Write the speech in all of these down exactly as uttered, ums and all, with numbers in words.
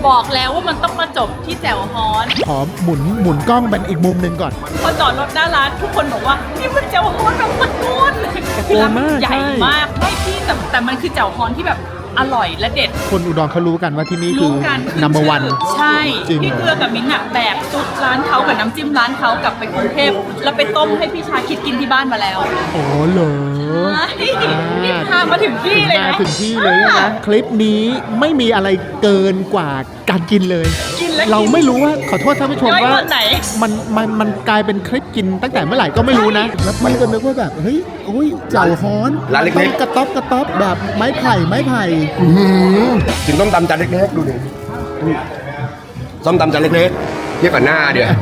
บอกแล้วว่ามันต้องมาจบที่แจ่วฮ้อนขอหมุนหมุนกล้องเป็นอีกมุมหนึ่งก่อนพอจอดรถหน้าร้านทุกคนบอกว่านี่มันแจ่วฮ้อนแบบมันก้นคือร้านมันใหญ่มากไม่พี่แต่แต่มันคือแจ่วฮ้อนที่แบบอร่อยและเด็ดคนอุดรเขารู้กันว่าที่นี่คือ number one ใช่พี่เกลือกับมิ้นท์อะแบกซุปร้านเขากับน้ำจิ้มร้านเขากลับไปกรุงเทพแล้วไปต้มให้พี่ชาคิดกินที่บ้านมาแล้วโอ้เหรอนี่พามาถึงที่เลยนะมาถึงที่เลยนะคลิปนี้ไม่มีอะไรเกินกว่าการกินเลยเราไม่รู้ว่าขอโทษท่านผู้ชมว่ามันมันมันกลายเป็นคลิปกินตั้งแต่เมื่อไหร่ก็ไม่รู้นะแล้วพี่ก็นึกว่าแบบเฮ้ยโอ้ยเจ่วฮ้อนร้านเล็กๆกระต๊อบกระต๊อบแบบไม้ไผ่ไม้ไผ่กินต้มตำจานเล็กๆดูดิต้มตำจานเล็กๆเทียบกับหน้าเดี๋ยว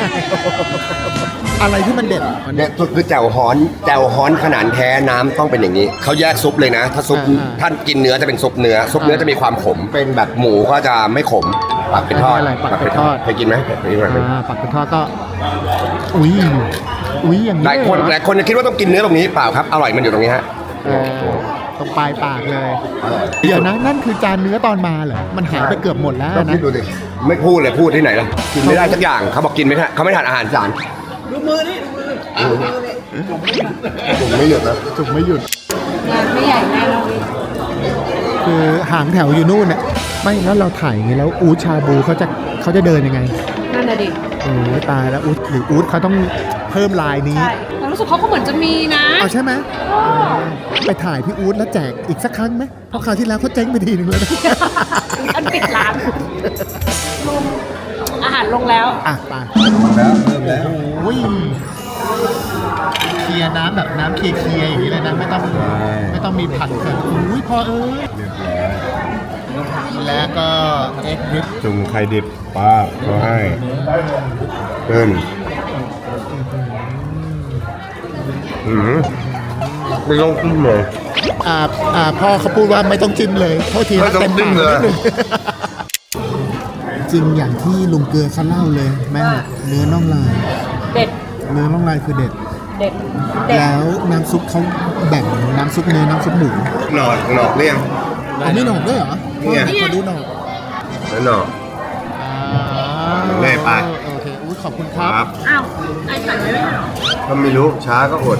อะไรที่มันเด็ดเนี่ยสุดคือแจ่วฮ้อนแจ่วฮ้อนขนาดแท้น้ำต้องเป็นอย่างนี้เขาแยกซุปเลยนะถ้าซุปท่านกินเนื้อจะเป็นซุปเนื้อซุปเนื้อจะมีความขมเป็นแบบหมูก็จะไม่ขมปักเป็นทอดปักเป็นทอดเคยกินไหมปักเป็นทอดก็อุ้ยอุ้ยอย่างนี้หลายคนหลายคนจะคิดว่าต้องกินเนื้อตรงนี้เปล่าครับอร่อยมันอยู่ตรงนี้ฮะตรงปลายปากเลยเดี๋ยวนะนั่นคือจานเนื้อตอนมาเหรอมันหายไปเกือบหมดแล้วนะดูดิไม่พูดเลยพูดที่ไหนล่ะกินไม่ได้สักอย่างเขาบอกกินไม่ได้เขาไม่ทานอาหารจานดูมือนี่ดูมือจุ่มไม่หยุดนะจุ่มไม่หยุดงานไม่ใหญ่แน่นอนคือหางแถวอยู่นู่นน่ะไม่แล้วเราถ่ายอย่างนี้แล้วอู๊ดชาบูเขาจะเขาจะเดินยังไงนั่นแหละดิโอ้ยตายแล้วอู๊ดหรืออู๊ดเขาต้องเพิ่มลายนี้ใช่แต่รู้สึกเขาก็เหมือนจะมีนะเอาใช่ไหมไปถ่ายพี่อู๊ดแล้วแจกอีกสักครั้งไหมเพราะคราวที่แล้วเขาเจ๊งไปทีนึงเลยอันปิดร้านอาหารลงแล้วอ่ะไปแล้วเริ่มแล้วโอ้ยเคลียร์น้ำแบบน้ำเคลียร์ๆอย่างนี้เลยนะไม่ต้องไม่ต้องมีผัดเกิดอุ้ยพอเออแล้วก็เอ็กดิบจุ่มไข่ดิบป้าเขาให้เพิ่นอืมไม่ต้องจิ้มเลยอ่าอ่าพ่อเขาพูดว่าไม่ต้องจิ้มเลยโทษทีนะเต็มปากเลยจริงอย่างที่ลุงเกลือเขาเล่าเลยแม่เนื้อน่องลายเด็ดเนื้อน่องลายคือเด็ดเด็ดแล้วน้ำซุปเขาแบ่งน้ำซุปเนื้อน้ำซุปหมูหนอกหนอกเรียงอันนี้หนอกด้วยเหรอนี่ขอดูหนอกหนอกเล่ไปโอเคอุ้ยขอบคุณครับอ้าวไอ้สั่งไว้ไม่หรอก็ไม่รู้ช้าก็อด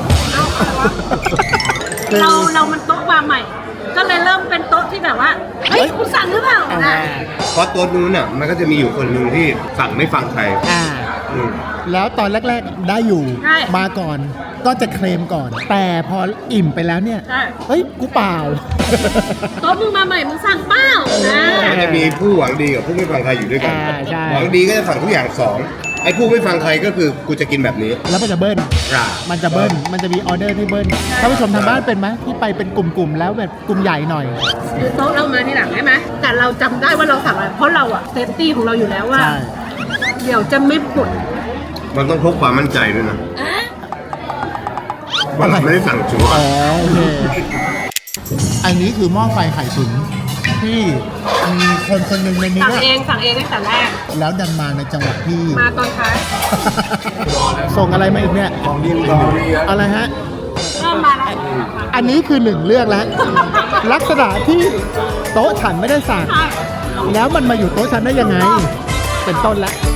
เราเรามันโต๊ะมาใหม่ก็เลยเริ่มเป็นโต๊ะที่แบบว่าเฮ้ยคุณสั่งหรือเปล่าเพราะโต๊ะนู้นน่ะมันก็จะมีอยู่คนหนึ่งที่สั่งไม่ฟังใครแล้วตอนแรกๆได้อยู่มาก่อนก็จะเคลมก่อนแต่พออิ่มไปแล้วเนี่ยเฮ้ยกูเปล่าโต๊ะมึงมาใหม่มึงสั่งเปล่ามันจะมีผู้หวังดีกับผู้ไม่ฟังใครอยู่ด้วยกันหวังดีก็จะสั่งทุกอย่างสองไอ้ผู้ไม่ฟังใครก็คือกูจะกินแบบนี้แล้วมันจะเบิ้ลมันจะเบิ้ลมันจะมีออเดอร์ที่เบิ้ลท่านผู้ชมทางบ้านเป็นไหมที่ไปเป็นกลุ่มๆแล้วแบบกลุ่มใหญ่หน่อยคือโต๊ะเรามาที่หลังใช่ไหมแต่เราจำได้ว่าเราสั่งอะไรเพราะเราอะเซฟตี้ของเราอยู่แล้วว่าเดี๋ยวจะไม่ปวดมันต้องพกความมั่นใจด้วยนะว่าเราไม่ได้สั่งชัวร์อ๋อโอเคอันนี้คือหม้อไฟไข่ตุ๋นที่มีคนคนหนึ่งในนี้สั่งเองสั่งเองตั้งแต่แรกแล้วดันมาในจังหวะที่มาตอนท้ายส่งอะไรมาอีกเนี่ยของดีของดีอะไรฮะเริ่มมาแล้วอันนี้คือหนึ่งเรื่องแล้วลักษณะที่โต๊ะฉันไม่ได้สั่งแล้วมันมาอยู่โต๊ะฉันได้ยังไงเป็นต้นแล้ว